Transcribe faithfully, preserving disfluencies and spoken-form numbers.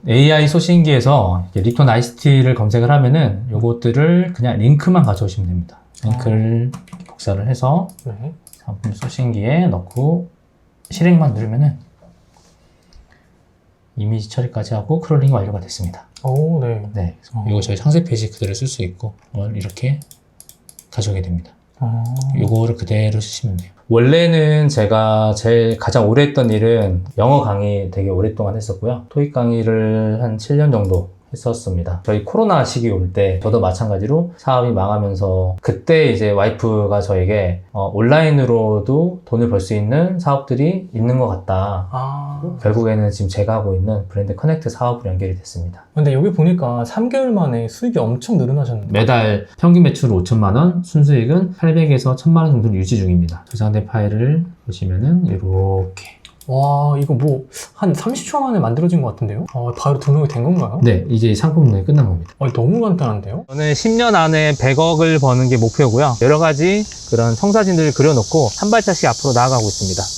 에이아이 소싱기에서 립톤 아이스티를 검색을 하면은 요것들을 그냥 링크만 가져오시면 됩니다. 링크를 복사를 해서 네. 상품 소싱기에 넣고 실행만 누르면은 이미지 처리까지 하고 크롤링이 완료가 됐습니다. 오, 네. 네, 어. 이거 저희 상세 페이지 그대로 쓸 수 있고 이렇게 가져오게 됩니다. 아. 요거를 그대로 쓰시면 돼요. 원래는 제가 제일 가장 오래 했던 일은 영어 강의 되게 오랫동안 했었고요. 토익 강의를 한 칠 년 정도 했었습니다. 저희 코로나 시기 올 때 저도 마찬가지로 사업이 망하면서 그때 이제 와이프가 저에게 어, 온라인으로도 돈을 벌 수 있는 사업들이 있는 것 같다. 아. 결국에는 지금 제가 하고 있는 브랜드 커넥트 사업으로 연결이 됐습니다. 근데 여기 보니까 삼 개월 만에 수익이 엄청 늘어나셨는데. 매달 평균 매출 오천만 원, 순수익은 팔백에서 천만 원 정도 유지 중입니다. 저장된 파일을 보시면은 이렇게. 와, 이거 뭐 한 삼십 초 만에 만들어진 것 같은데요? 어, 바로 등록이 된 건가요? 네, 이제 상품 등록이 끝난 겁니다. 어, 너무 간단한데요? 저는 십 년 안에 백억을 버는 게 목표고요. 여러 가지 그런 청사진들을 그려놓고 한 발짝씩 앞으로 나아가고 있습니다.